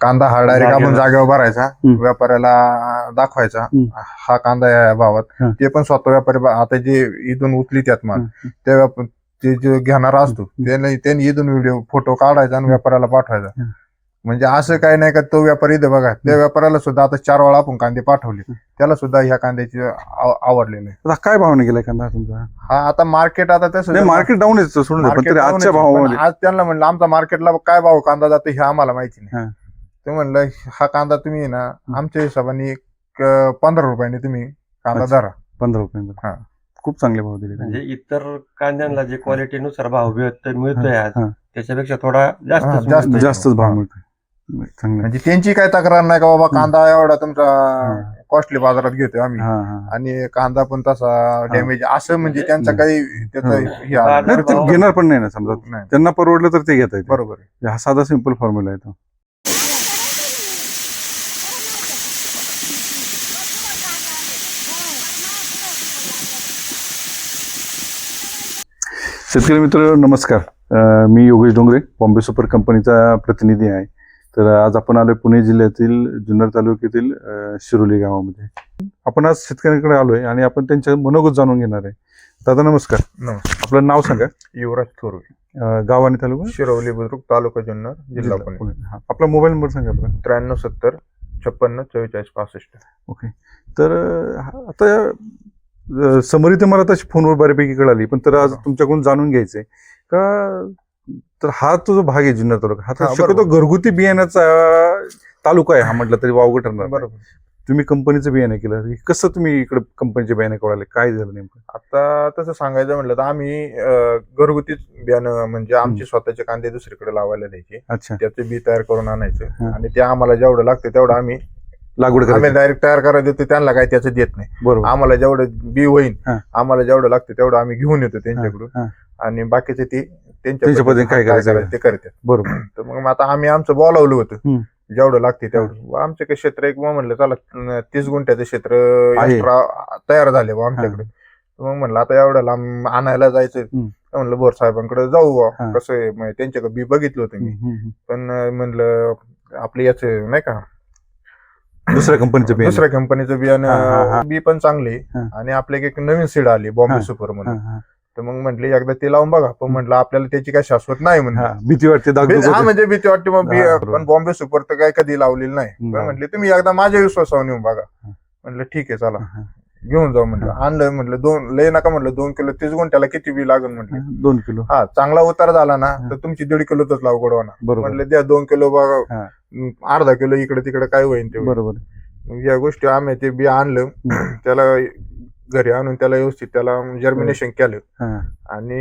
कांदा हा डायरेक्ट आपण जागेवर भरायचा, व्यापाऱ्याला दाखवायचा हा कांदा या भावात. ते पण स्वतः व्यापारी आता जे इथून उचली त्यात माल ते जे घेणारा असतो त्यांनी इथून व्हिडिओ फोटो काढायचा आणि व्यापाऱ्याला पाठवायचा. म्हणजे असं काही नाही का तो व्यापारी इथं बघा, त्या व्यापाऱ्याला सुद्धा आता 4 वेळा आपण कांदे पाठवले, त्याला सुद्धा ह्या कांद्याची आवडलेले. आता काय भावाने गेलाय कांदा तुमचा? हा आता मार्केट आता तसं मार्केट डाऊन आहे सोडून, पण तरी आजच्या भावामध्ये आज त्यांना म्हणलं आमचा मार्केटला काय भाव कांदा जातो हे आम्हाला माहिती नाही. ते म्हणलं हा कांदा तुम्ही ना आमच्या हिशोबाने 15 रुपयाने तुम्ही कांदा धरा. 15 रुपये खूप चांगले भाव दिले. म्हणजे इतर कांद्यांना जे क्वालिटीनुसार भाव मिळतोय आज त्याच्यापेक्षा थोडा जास्तच भाव मिळतोय. म्हणजे त्यांची काय तक्रार नाही का बाबा कांदा एवढा तुमचा कॉस्टली बाजारात घेतोय आम्ही आणि कांदा पण तसा डॅमेज असं, म्हणजे त्यांचा काही त्याचा घेणार पण नाही ना. समजा त्यांना परवडलं तर ते घेता येते. बरोबर आहे. हा साधा सिंपल फॉर्म्युला आहे तो. शेतकरी मित्र नमस्कार, मी योगेश डोंगरे, बॉम्बे सुपर कंपनीचा प्रतिनिधी आहे. तर आज आपण आलोय पुणे जिल्ह्यातील जुन्नर तालुक्यातील शिरोली गावामध्ये. आपण आज शेतकऱ्यांकडे आलोय आणि आपण त्यांच्या मनोगत जाणून घेणार आहे. दादा नमस्कार. आपलं नाव सांगा. युवराज थोरवे, गाव आणि तालुका? शिरवली बुद्रुक, तालुका जुन्नर, जिल्हा पुणे. आपला मोबाईल नंबर सांगा. 93 70 56 44 65. ओके. तर आता समरी तर मला तशी फोनवर बऱ्यापैकी कळाली, पण तर आज तुमच्याकडून जाणून घ्यायचंय का, तर हा तो जो भाग आहे जुन्नर तालुका, हा शक्यतो घरगुती बियाण्याचा तालुका आहे हा म्हटलं तरी वावगं ठरणार. बरोबर. तुम्ही कंपनीचं बियाणं केलं, कसं तुम्ही इकडे कंपनीचे बियाणे कळाले, काय झालं नेमकं? आता तसं सांगायचं म्हटलं तर आम्ही घरगुतीच बियाणं म्हणजे आमचे स्वतःचे कांदे दुसरीकडे लावायला द्यायचे. अच्छा. त्याचे बी तयार करून आणायचं आणि ते आम्हाला जेवढं लागतं तेवढं आम्ही लागवड आम्ही डायरेक्ट तयार करायला देतो, त्यांना काही त्याचं देत नाही. बरोबर. आम्हाला जेवढं बी होईल आम्हाला जेवढं लागतं तेवढं आम्ही घेऊन येतो त्यांच्याकडून आणि बाकीचे ते त्यांच्या पद्धतीने काय करायचं ते करतात. बरोबर. तर मग आता आम्ही आमचं बोलावलं होतं जेवढं लागते तेवढं. आमचं काही क्षेत्र एक म्हणलं चला 30 गुंठ्याचं क्षेत्र एक्स्ट्रा तयार झाले बा आमच्याकडे. मग म्हणलं आता एवढं लांब आणायला जायचं, म्हणलं बोर साहेबांकडे जाऊ बा. कसं आहे त्यांच्याकडे बी बघितलं होतं मी, पण म्हणलं आपलं याच नाही का दुसऱ्या कंपनीचं बियाणं बी पण चांगले आणि आपल्या एक नवीन सीड आली बॉम्बे सुपर म्हणून. तर मग म्हटले एकदा ते लावून बघा, पण म्हटलं आपल्याला त्याची काय शाश्वत नाही म्हणून भीती वाटते. म्हणजे भीती वाटते. मग पण बॉम्बे सुपर तर काय कधी लावलेली नाही. पण म्हटले तुम्ही एकदा माझ्या विश्वासावर येऊन बघा. म्हटलं ठीक आहे चला घेऊन जाऊ. म्हटलं आणलं, म्हटलं 2 लय नका म्हटलं 2 किलो 30 गुंठ्याला किती बी लागेल म्हटलं. 2 किलो. हा चांगला उतार झाला ना तर तुमची 1.5 किलोच लागवड होणार. म्हटलं द्या 2 किलो बघा, अर्धा किलो इकडे तिकडे काय होईल ते. बरोबर. या गोष्टी आम्ही ते बी आणलं, त्याला घरी आणून त्याला व्यवस्थित त्याला जर्मिनेशन केलं आणि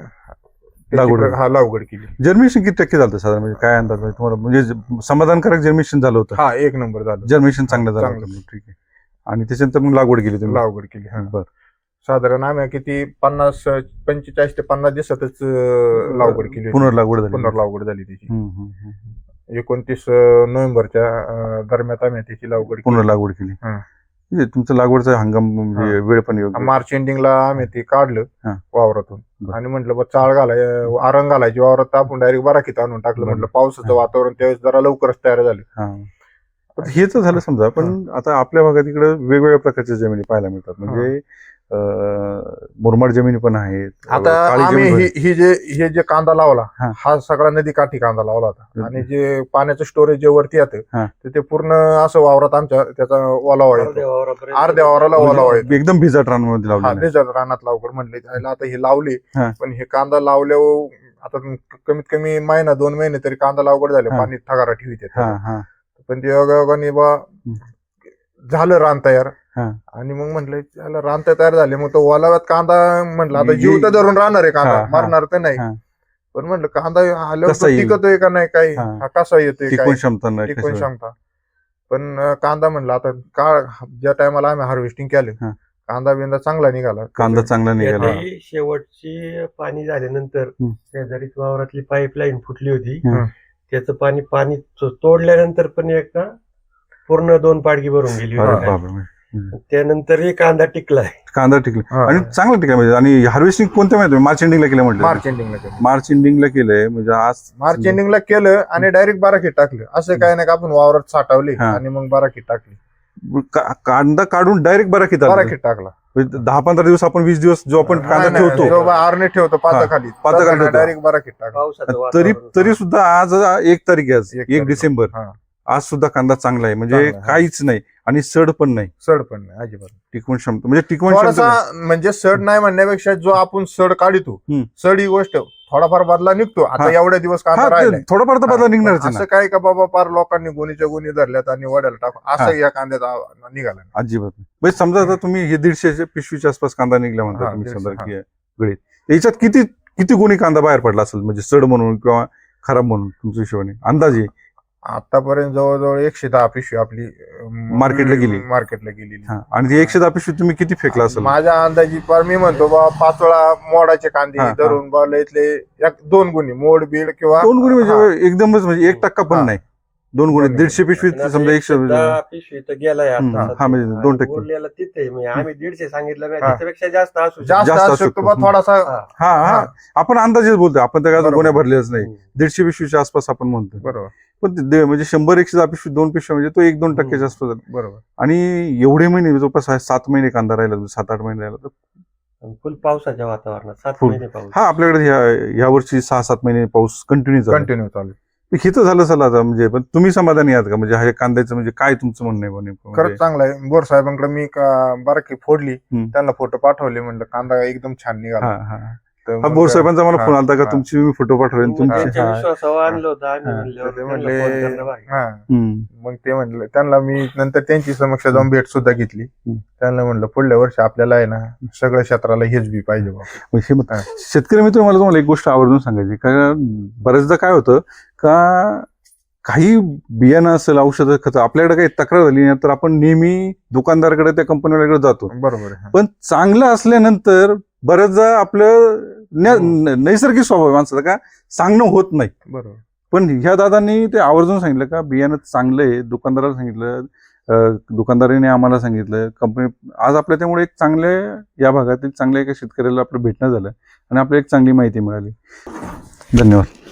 लागवड केली. जर्मिनेशन किती टक्के झालं साधारण, म्हणजे काय अंदाज तुम्हाला, म्हणजे समाधानकारक जर्मिनेशन झालं होतं? हा 1 नंबर झालं. जर्मिनेशन चांगलं झालं. ठीक आहे. आणि त्याच्यानंतर मग लागवड केली तुम्ही? लागवड केली. बरं. साधारण आम्ही किती 45 ते 50 दिवसातच लागवड केली. पुनर्लागवड झाली त्याची. 29 नोव्हेंबरच्या दरम्यान आम्ही त्याची पुनर्लागवड केली. म्हणजे तुमचं लागवडचा हंगाम वेळ पण मार्च एंडिंगला आम्ही ते काढलं वावरातून आणि म्हटलं चाळ आरंग घालायची वावरात, आपण डायरेक्ट बराकीत आणून टाकलं. म्हटलं पावसाचं वातावरण त्यावेळेस जरा लवकरच तयार झालं. हे तर झालं समजा, पण आता आपल्या भागात इकडे वेगवेगळ्या प्रकारच्या जमिनी पाहायला मिळतात. म्हणजे मुरमाड जमिनी पण आहेत. आता आम्ही हे जे कांदा लावला हा सगळा नदी काठी कांदा लावला होता आणि जे पाण्याचं स्टोरेज जे वरती येतं ते पूर्ण असं वावरात आमच्या त्याचा ओलावा येतो, अर्ध्या वावराला ओलावा येतो. एकदम भिजट रानामध्ये लावला. भिजट रानात लावकर म्हटले आता हे लावले, पण हे कांदा लावल्यावर आता कमीत कमी 1-2 महिने तरी कांदा लागवड झाले, पाणी ठगारा ठेवीत. पण ते योगायोगाने बा झालं रान तयार. आणि मग म्हटलं त्याला रान तयार झाले, मग तो ओलाव्यात कांदा म्हटलं आता जीव तर धरून राहणार आहे, कांदा मारणार तर नाही. पण म्हटलं कांदा आल्यावर टिकतोय का नाही, काही कसा येतोय, टिकवून क्षमता. पण कांदा म्हटलं आता ज्या टायमाला आम्ही हार्वेस्टिंग केलं कांदा बिंदा चांगला निघाला. शेवटची पाणी झाल्यानंतर शेजारीच वावरातली पाईपलाईन फुटली होती, त्याचं पाणी तोडल्यानंतर पण एकदा पूर्ण 2 पाडगी भरून गेली होती. त्यानंतर कांदा टिकलाय. कांदा टिकला हा. आणि चांगला टिकला म्हणजे. आणि हार्वेस्टिंग कोणत्या महिन्यात मार्च एंडिंगला केलं म्हटलं? मार्च एंडिंगला केलं. मार्च एंडिंगला केलंय म्हणजे आज मार्च एंडिंगला केलं आणि डायरेक्ट बाराखीत टाकलं. असं काय नाही का आपण वावरात साठवले हा. आणि मग बाराखीत टाकली. कांदा काढून डायरेक्ट बाराखीत आलं. बाराखीत टाकला. 10-15 दिवस आपण 20 दिवस जो आपण कांदा ठेवतो जो आरणे ठेवतो पाताखाली पाताखाली ठेवतो. डायरेक्ट बाराखीत टाकला. पावसाचं तरी वातावरण. सुद्धा आज 1 तारीख आहे, आज 1 तारीख. डिसेंबर. हा. आज सुद्धा कांदा चांगला आहे म्हणजे चांगला आहे. काहीच नाही आणि सड पण नाही. सड पण नाही अजिबात. टिकवण क्षमता म्हणजे टिकवण क्षमता थोडासा म्हणजे सड नाही म्हणण्यापेक्षा जो आपण सड काढतो हम्म. सड ही गोष्ट थोडाफार बदला निघतो. आता हा. एवढ्या दिवस कांदा राहिलाय. थोडाफार तर बदला निघणारच आहे असं ना. काय का बाबा पार लोकांनी गोणीच्या गोणी धरल्यात आणि वड्याला टाकून हा. असं या कांद्याचा निघाला नाही. अजिबात नाही. म्हणजे समजा आता तुम्ही हे 150 पिशवीच्या आसपास कांदा निघला म्हणता हा, तुम्ही 150, समजा हा. की गळीत याच्यात किती गुणी कांदा बाहेर पडला असेल म्हणजे सड म्हणून किंवा खराब म्हणून तुमच्या हिशोबाने अंदाजे? आतापर्यंत जवळजवळ 110 पिशवी आपली मार्केटला गेली. मार्केटला गेलेली. हा. आणि ती 110 पिशवी तुम्ही किती फेकला असेल? माझ्या अंदाजी पार मी म्हणतो बा 5 वेळा मोडाचे कांदे हा, हा. धरून बा इथले 2 गुणी मोड बीड किंवा 2 गुणी हा. म्हणजे एकदमच म्हणजे 1% पण हा. नाही. 2 गुणी 150 पिशवी आणि आता समजा 100 110 पिशवी तर गेलाय आता हम्म, हा, सध्या. म्हणजे 2%. आणि उरलेला तिथे म्हणजे आम्ही 150 सांगितलं नाही, हा. त्याच्यापेक्षा जास्त असू शकतं. जास्त जास्त असू असू शकतो बा शकतो. थोडासा. हा. हा हा आपण अंदाजेच बोलतोय. आपण त्या बरोबर. गोण्या भरल्याच नाही. हम्म. 150 पिशवीच्या आसपास आपण म्हणतो. बरोबर पण म्हणजे 100-110 पिशवी 2 पिशव्या म्हणजे तो 1-2% आसपास झाला. बरोबर. आणि एवढे महिने जवळपास 7 महिने कांदा राहिला 7-8 महिने राहिला तर आणि फुल पावसाच्या वातावरणात 7 फुल. महिने पाऊस. हा आपल्याकडे ह्या वर्षी 6-7 महिने पाऊस कंटिन्यू झाला. कंटिन्यू चालू. हे तर झालं चला आता म्हणजे. पण तुम्ही समाधानी आहात का म्हणजे ह्या कांद्याचं म्हणजे काय तुमचं म्हणणं आहे नेमकं? म्हणजे खरंच चांगलं आहे. बोर साहेबांकडे मी बाराकी फोडली हम्म. त्यांना फोटो पाठवले म्हणलं कांदा एकदम छान निघाला. हा हा तर हा मग बोर साहेबांचा मला हा, फोन आलता का हा. तुमची मी फोटो पाठवले मग तुमचे? त्यांच्या हा. विश्वासावर आणलं होतं आम्ही हा. म्हणल्यावर तर ते त्यांना म्हणले फोन करणं भारी. हा. हम्म. मग ते म्हणलं त्यांना मी नंतर त्यांची समक्ष जाऊन भेट सुद्धा घेतली. हम्म. त्यांना म्हणलं पुढल्या वर्षी आपल्याला आहे ना सगळ्या क्षेत्राला हेच बी पाहिजे बा. म्हणजे मग हा. शेतकरी मित्र मला तुम्हाला एक गोष्ट आवर्जून सांगायची. कारण बऱ्याचदा काय होतं का काही बियाणं असेल औषधं खतं आपल्याकडे काही तक्रार झाली ना तर आपण नेहमी दुकानदाराकडे त्या कंपनीकडे जातो. बरोबर आहे. पण चांगलं असल्यानंतर बऱ्याचदा आपलं नैसर्गिक स्वभाव आहे माणसाचा का सांगणं होत नाही. बरोबर. पण ह्या दादांनी ते आवर्जून सांगितलं का बियाणं चांगलं आहे. दुकानदाराला सांगितलं, दुकानदाराने आम्हाला सांगितलं. कंपनी आज आपल्या त्यामुळे एक चांगले या भागातील चांगल्या एका शेतकऱ्याला आपलं भेटणं झालं आणि आपल्याला एक चांगली माहिती मिळाली. धन्यवाद.